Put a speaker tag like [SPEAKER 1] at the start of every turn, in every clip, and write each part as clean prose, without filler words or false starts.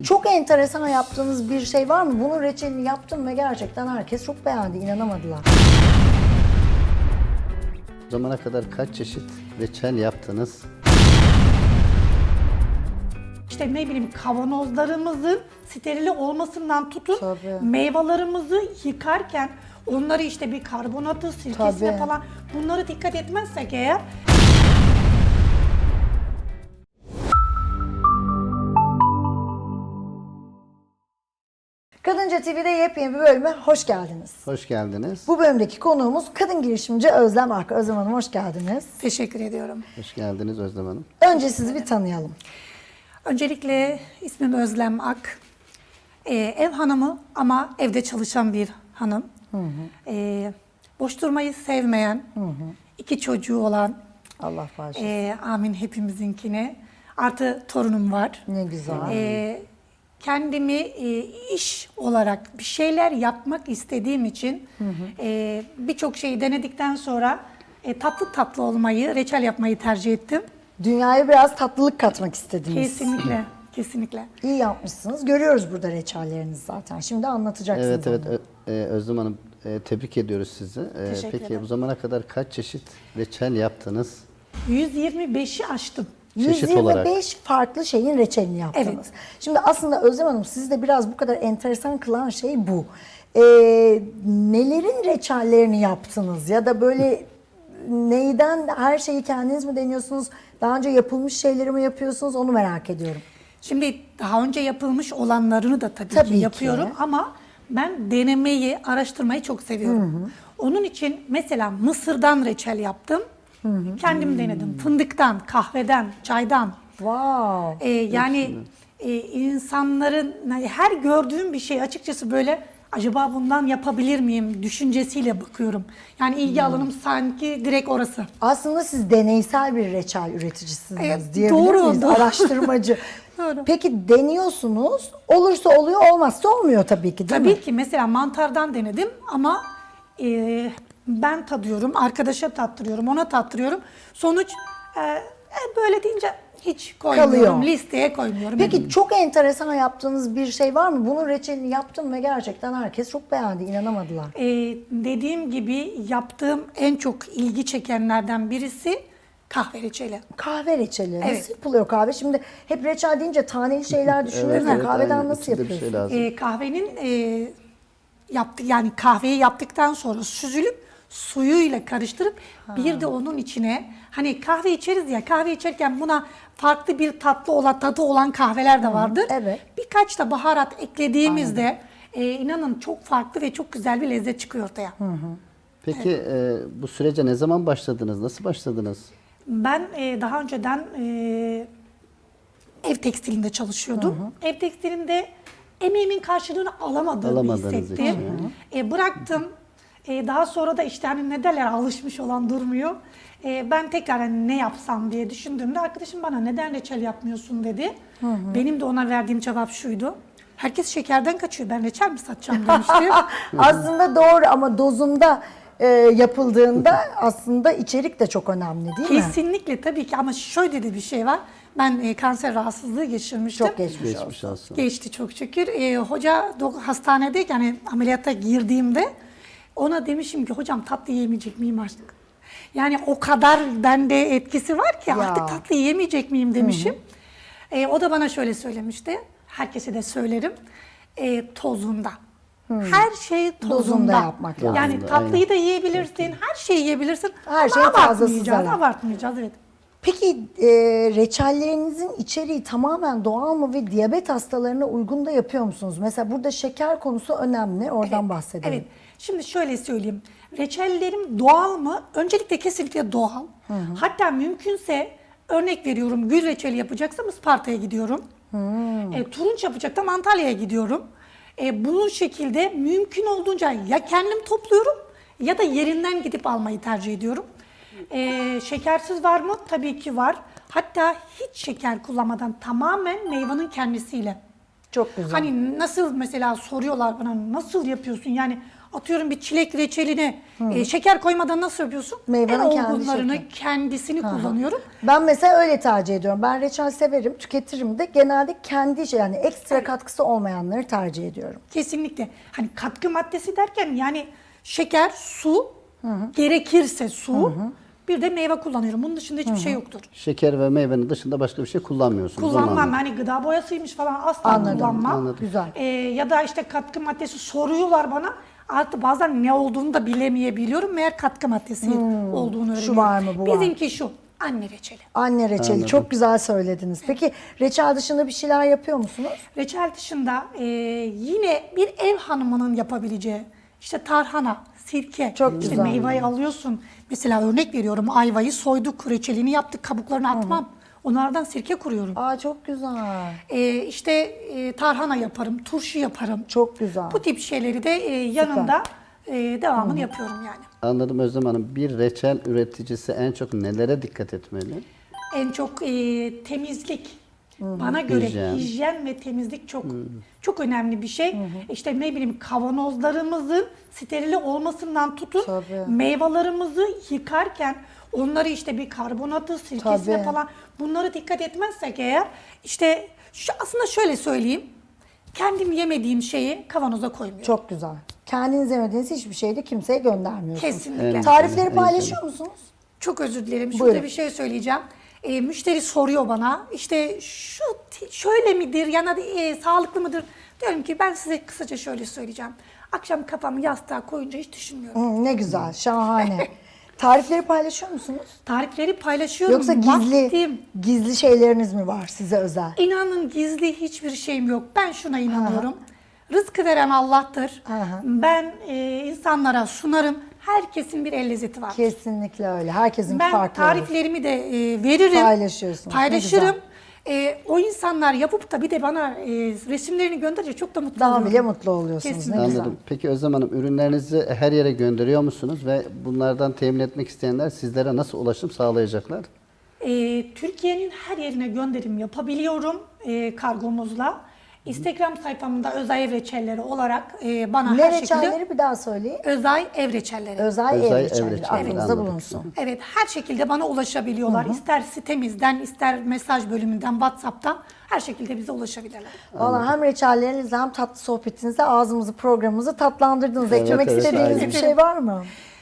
[SPEAKER 1] Çok enteresan yaptığınız bir şey var mı? Bunun reçelini yaptım ve gerçekten herkes çok beğendi, inanamadılar.
[SPEAKER 2] Bu zamana kadar kaç çeşit reçel yaptınız?
[SPEAKER 3] İşte ne bileyim kavanozlarımızın sterili olmasından tutun
[SPEAKER 1] Tabii.
[SPEAKER 3] meyvelerimizi yıkarken onları işte bir karbonatı, sirkesine
[SPEAKER 1] Tabii.
[SPEAKER 3] falan bunları dikkat etmezsek eğer
[SPEAKER 1] Kadınca TV'de yepyeni bir bölüme hoş geldiniz.
[SPEAKER 2] Hoş geldiniz.
[SPEAKER 1] Bu bölümdeki konuğumuz kadın girişimci Özlem Ak. Özlem Hanım hoş geldiniz.
[SPEAKER 3] teşekkür ediyorum.
[SPEAKER 2] Hoş geldiniz Özlem Hanım.
[SPEAKER 1] Önce sizi bir tanıyalım.
[SPEAKER 3] Öncelikle ismim Özlem Ak. Ev hanımı ama evde çalışan bir hanım. Boş durmayı sevmeyen, 2 çocuğu olan,
[SPEAKER 1] Allah bağışlasın.
[SPEAKER 3] amin hepimizinkine. Artı torunum var.
[SPEAKER 1] Ne güzel.
[SPEAKER 3] Kendimi iş olarak bir şeyler yapmak istediğim için birçok şeyi denedikten sonra tatlı tatlı olmayı, reçel yapmayı tercih ettim.
[SPEAKER 1] Dünyaya biraz tatlılık katmak istediniz.
[SPEAKER 3] Kesinlikle, kesinlikle.
[SPEAKER 1] İyi yapmışsınız. Görüyoruz burada reçellerinizi zaten. Şimdi anlatacaksınız.
[SPEAKER 2] Evet
[SPEAKER 1] onu.
[SPEAKER 2] Özlem Hanım tebrik ediyoruz sizi.
[SPEAKER 3] Teşekkür
[SPEAKER 2] Peki
[SPEAKER 3] ederim.
[SPEAKER 2] bu zamana kadar kaç çeşit reçel yaptınız?
[SPEAKER 3] 125'i aştım.
[SPEAKER 2] Çeşit
[SPEAKER 1] 125
[SPEAKER 2] olarak.
[SPEAKER 1] farklı şeyin reçelini yaptınız.
[SPEAKER 3] Evet.
[SPEAKER 1] Şimdi aslında Özlem Hanım sizi de biraz bu kadar enteresan kılan şey bu. Nelerin reçellerini yaptınız? Ya da böyle neyden her şeyi kendiniz mi deniyorsunuz? Daha önce yapılmış şeyleri mi yapıyorsunuz? Onu merak ediyorum.
[SPEAKER 3] Şimdi daha önce yapılmış olanlarını da tabii
[SPEAKER 1] Tabii
[SPEAKER 3] ki
[SPEAKER 1] ki.
[SPEAKER 3] yapıyorum ama ben denemeyi, araştırmayı çok seviyorum. Onun için mesela mısırdan reçel yaptım. Kendim denedim. Fındıktan, kahveden, çaydan.
[SPEAKER 1] Wow.
[SPEAKER 3] Yani insanların yani her gördüğüm bir şey açıkçası böyle acaba bundan yapabilir miyim düşüncesiyle bakıyorum. Yani ilgi alanım sanki direkt orası.
[SPEAKER 1] Aslında siz deneysel bir reçel üreticisiniz
[SPEAKER 3] Evet,
[SPEAKER 1] diyebilir
[SPEAKER 3] doğru,
[SPEAKER 1] miyiz?
[SPEAKER 3] doğru.
[SPEAKER 1] Araştırmacı.
[SPEAKER 3] Doğru.
[SPEAKER 1] Peki deniyorsunuz. Olursa oluyor, olmazsa olmuyor tabii ki değil mi?
[SPEAKER 3] Tabii ki mesela mantardan denedim ama ben tadıyorum, arkadaşa tattırıyorum, ona tattırıyorum. Sonuç böyle deyince hiç koymuyorum,
[SPEAKER 1] Kalıyor.
[SPEAKER 3] listeye koymuyorum.
[SPEAKER 1] Peki çok enteresan yaptığınız bir şey var mı? Bunun reçelini yaptım ve gerçekten herkes çok beğendi, inanamadılar.
[SPEAKER 3] Dediğim gibi yaptığım en çok ilgi çekenlerden birisi kahve reçeli.
[SPEAKER 1] Kahve reçeli. Nasıl
[SPEAKER 3] Evet.
[SPEAKER 1] yapılıyor kahve? Şimdi hep reçel deyince taneli şeyler düşünüyoruz ya. Kahveden
[SPEAKER 2] aynen.
[SPEAKER 1] nasıl
[SPEAKER 2] İçinde bir
[SPEAKER 1] yapıyorsunuz?
[SPEAKER 2] şey lazım.
[SPEAKER 3] Kahvenin yani kahveyi yaptıktan sonra süzülüp suyuyla karıştırıp bir de onun içine hani kahve içeriz ya, kahve içerken buna farklı bir tadı olan kahveler de vardır.
[SPEAKER 1] evet.
[SPEAKER 3] Birkaç da baharat eklediğimizde inanın çok farklı ve çok güzel bir lezzet çıkıyor ortaya.
[SPEAKER 2] Peki bu sürece ne zaman başladınız? Nasıl başladınız?
[SPEAKER 3] Ben daha önceden ev tekstilinde çalışıyordum. Ev tekstilinde emeğimin karşılığını alamadığımı
[SPEAKER 2] Alamadığınız
[SPEAKER 3] hissettim.
[SPEAKER 2] için.
[SPEAKER 3] Bıraktım. Daha sonra da işte hani ne derler alışmış olan durmuyor. Ben tekrar hani ne yapsam diye düşündüğümde arkadaşım bana neden reçel yapmıyorsun dedi. Benim de ona verdiğim cevap şuydu. Herkes şekerden kaçıyor. Ben reçel mi satacağım demiştim.
[SPEAKER 1] Aslında doğru ama dozunda yapıldığında aslında içerik de çok önemli değil mi?
[SPEAKER 3] Kesinlikle tabii ki ama şöyle de bir şey var. Ben kanser rahatsızlığı geçirmiştim.
[SPEAKER 1] Çok geçmiş olsun.
[SPEAKER 2] Geçmiş olsun.
[SPEAKER 3] Geçti çok şükür. Hoca hastanedeyken yani ameliyata girdiğimde ona demişim ki hocam tatlı yemeyecek miyim artık? Yani o kadar bende etkisi var ki
[SPEAKER 1] Ya.
[SPEAKER 3] artık tatlı yemeyecek miyim demişim. O da bana şöyle söylemişti. Herkese de söylerim. Tozunda. Her şey tozunda.
[SPEAKER 1] Dozunda yapmak lazım.
[SPEAKER 3] Yani
[SPEAKER 2] Dozunda,
[SPEAKER 3] tatlıyı da yiyebilirsin, her şeyi yiyebilirsin.
[SPEAKER 1] Her
[SPEAKER 3] Ama
[SPEAKER 1] şeyin fazlası
[SPEAKER 3] abartmayacağız,
[SPEAKER 1] zarar.
[SPEAKER 3] abartmayacağız evet.
[SPEAKER 1] Peki reçellerinizin içeriği tamamen doğal mı ve diyabet hastalarına uygun da yapıyor musunuz? Mesela burada şeker konusu önemli. Oradan bahsedelim.
[SPEAKER 3] Evet. Şimdi şöyle söyleyeyim. Reçellerim doğal mı? Öncelikle kesinlikle doğal. Hatta mümkünse örnek veriyorum gül reçeli yapacaksam Isparta'ya gidiyorum. Turunç yapacaksam Antalya'ya gidiyorum. Bu şekilde mümkün olduğunca ya kendim topluyorum ya da yerinden gidip almayı tercih ediyorum. Şekersiz var mı? Tabii ki var. Hatta hiç şeker kullanmadan tamamen meyvanın kendisiyle.
[SPEAKER 1] Çok güzel.
[SPEAKER 3] Hani nasıl mesela soruyorlar bana nasıl yapıyorsun yani Atıyorum bir çilek reçeline şeker koymadan nasıl yapıyorsun?
[SPEAKER 1] Meyvenin
[SPEAKER 3] en
[SPEAKER 1] kendi
[SPEAKER 3] olgunlarını,
[SPEAKER 1] şekli.
[SPEAKER 3] kendisini kullanıyorum.
[SPEAKER 1] Ben mesela öyle tercih ediyorum. Ben reçel severim, tüketirim de. Genelde kendi yani ekstra katkısı olmayanları tercih ediyorum.
[SPEAKER 3] Kesinlikle. Hani katkı maddesi derken yani şeker, su, gerekirse su, bir de meyve kullanıyorum. Bunun dışında hiçbir şey yoktur.
[SPEAKER 2] Şeker ve meyvenin dışında başka bir şey kullanmıyorsunuz. onu
[SPEAKER 3] Kullanmam.
[SPEAKER 2] anladım.
[SPEAKER 3] Hani gıda boyasıymış falan asla
[SPEAKER 1] Anladım,
[SPEAKER 3] kullanmam.
[SPEAKER 2] anladım.
[SPEAKER 1] Güzel.
[SPEAKER 3] Ya da işte katkı maddesi soruyorlar bana. Artık bazen ne olduğunu da bilemeyebiliyorum. Meğer katkı maddesi olduğunu öğreniyorum.
[SPEAKER 1] var mı, bu var.
[SPEAKER 3] Bizimki şu. Anne reçeli.
[SPEAKER 1] Anne reçeli
[SPEAKER 2] Anladım.
[SPEAKER 1] çok güzel söylediniz. Peki reçel dışında bir şeyler yapıyor musunuz?
[SPEAKER 3] Reçel dışında yine bir ev hanımının yapabileceği işte tarhana, sirke,
[SPEAKER 1] Çok
[SPEAKER 3] işte
[SPEAKER 1] güzel.
[SPEAKER 3] meyveyi alıyorsun. Mesela örnek veriyorum, ayvayı soyduk, reçelini yaptık, kabuklarını atmam. Onlardan sirke kuruyorum.
[SPEAKER 1] Aa çok güzel.
[SPEAKER 3] İşte tarhana yaparım, turşu yaparım.
[SPEAKER 1] Çok güzel.
[SPEAKER 3] Bu tip şeyleri de yanında devamını yapıyorum yani.
[SPEAKER 2] Anladım Özlem Hanım. Bir reçel üreticisi en çok nelere dikkat etmeli?
[SPEAKER 3] En çok temizlik. Bana göre
[SPEAKER 2] Hijyen.
[SPEAKER 3] hijyen ve temizlik çok önemli bir şey. İşte ne bileyim kavanozlarımızın sterili olmasından tutun
[SPEAKER 1] Tabii.
[SPEAKER 3] meyvelerimizi yıkarken onları işte bir karbonatı, sirkesine
[SPEAKER 1] Tabii.
[SPEAKER 3] falan bunları dikkat etmezsek eğer işte aslında şöyle söyleyeyim. Kendim yemediğim şeyi kavanoza koymuyorum.
[SPEAKER 1] Çok güzel. Kendiniz yemediğiniz hiçbir şeyi de kimseye göndermiyorsunuz.
[SPEAKER 3] Kesinlikle.
[SPEAKER 1] Tarifleri paylaşıyor musunuz?
[SPEAKER 3] Çok özür dilerim. Şurada
[SPEAKER 1] Buyurun.
[SPEAKER 3] bir şey söyleyeceğim. Müşteri soruyor bana işte şöyle midir ya da sağlıklı mıdır? Diyorum ki ben size kısaca şöyle söyleyeceğim. Akşam kafamı yastığa koyunca hiç düşünmüyorum.
[SPEAKER 1] Ne güzel, şahane. Tarifleri paylaşıyor musunuz?
[SPEAKER 3] Tarifleri paylaşıyorum.
[SPEAKER 1] Yoksa
[SPEAKER 3] Vaktim.
[SPEAKER 1] gizli şeyleriniz mi var size özel?
[SPEAKER 3] İnanın gizli hiçbir şeyim yok. Ben şuna inanıyorum. Rızkı veren Allah'tır. Ben insanlara sunarım. Herkesin bir el lezzeti var.
[SPEAKER 1] Kesinlikle öyle. Herkesin
[SPEAKER 3] Ben
[SPEAKER 1] farklı olur.
[SPEAKER 3] tariflerimi de veririm.
[SPEAKER 1] Paylaşıyorsunuz, ne
[SPEAKER 3] Paylaşırım.
[SPEAKER 1] güzel.
[SPEAKER 3] O insanlar yapıp da bir de bana resimlerini gönderince çok da mutlu
[SPEAKER 1] Daha
[SPEAKER 3] oluyorum.
[SPEAKER 1] bile mutlu oluyorsunuz.
[SPEAKER 3] Kesinlikle.
[SPEAKER 1] Ne güzel.
[SPEAKER 2] Anladım. Peki Özlem Hanım, ürünlerinizi her yere gönderiyor musunuz ve bunlardan temin etmek isteyenler sizlere nasıl ulaşım sağlayacaklar?
[SPEAKER 3] Türkiye'nin her yerine gönderim yapabiliyorum kargomuzla. Instagram sayfamda Özay Ev Reçelleri olarak bana
[SPEAKER 1] Ne
[SPEAKER 3] her şekilde
[SPEAKER 1] reçelleri bir daha söyleyin.
[SPEAKER 3] Özay Ev Reçelleri.
[SPEAKER 1] Özel
[SPEAKER 2] Özel
[SPEAKER 1] ev
[SPEAKER 2] ev
[SPEAKER 1] reçelleri.
[SPEAKER 2] reçelleri,
[SPEAKER 1] Aklınızda
[SPEAKER 2] anladım.
[SPEAKER 1] bulunsun.
[SPEAKER 3] Evet, her şekilde bana ulaşabiliyorlar. İster sitemizden, ister mesaj bölümünden, WhatsApp'tan her şekilde bize ulaşabilirler.
[SPEAKER 1] Valla hem reçellerinizle hem tatlı sohbetinizle ağzımızı, programımızı tatlandırdınız.
[SPEAKER 2] Evet,
[SPEAKER 1] Eklemek
[SPEAKER 2] evet,
[SPEAKER 1] istediğiniz
[SPEAKER 2] aynen.
[SPEAKER 1] bir şey var mı?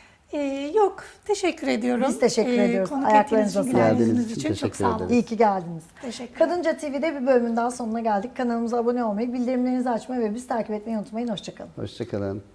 [SPEAKER 3] Yok, teşekkür ediyorum.
[SPEAKER 1] Biz teşekkür ediyoruz.
[SPEAKER 3] Konuk
[SPEAKER 1] Ayaklarınıza
[SPEAKER 3] ettiğiniz için,
[SPEAKER 1] sağlık.
[SPEAKER 3] gülerdiğiniz
[SPEAKER 2] Geldiğiniz için
[SPEAKER 3] için çok
[SPEAKER 2] teşekkür
[SPEAKER 3] sağ olun.
[SPEAKER 2] ederiz.
[SPEAKER 1] İyi ki geldiniz.
[SPEAKER 3] Teşekkür
[SPEAKER 1] Kadınca TV'de bir bölümün daha sonuna geldik. Kanalımıza abone olmayı, bildirimlerinizi açmayı ve bizi takip etmeyi unutmayın. Hoşçakalın.
[SPEAKER 2] Hoşçakalın.